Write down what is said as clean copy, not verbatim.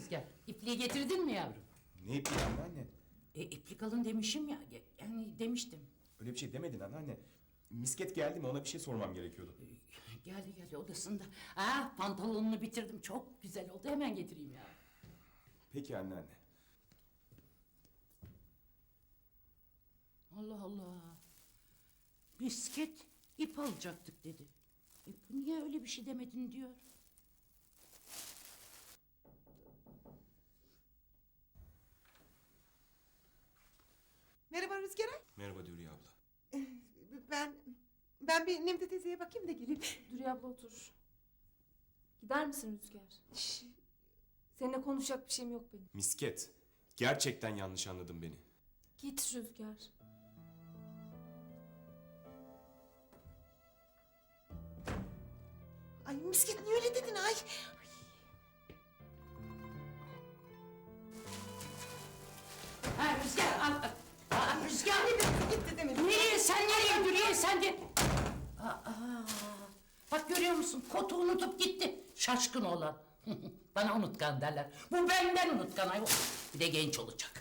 Rüzgar? İpliği getirdin mi yavrum? Ne ipliği anneanne? İplik alın demişim ya. Yani demiştim. Öyle bir şey demedin anneanne. Misket geldi mi ona bir şey sormam gerekiyordu. Geldi odasında. Pantolonunu bitirdim. Çok güzel oldu. Hemen getireyim ya. Peki anneanne. Allah Allah. Misket ip alacaktık dedi. Bu niye öyle bir şey demedin diyor. Merhaba Rüzgar. Merhaba Dürüye abla. Ben bir Nemde teyzeye bakayım da geleyim. Dürüye abla otur. Gider misin Rüzgar? Şş, Seninle konuşacak bir şeyim yok benim. Misket. Gerçekten yanlış anladın beni. Git Rüzgar. Ay misket niye öyle dedin ay? Rüzgar al. Rüzgar. Gitti demedim. Nereye sen nereye Dürüye sen de. Bak görüyor musun kotu unutup gitti. Şaşkın olan. Bana unutkan derler. Bu benden unutkan ayol. Bir de genç olacak.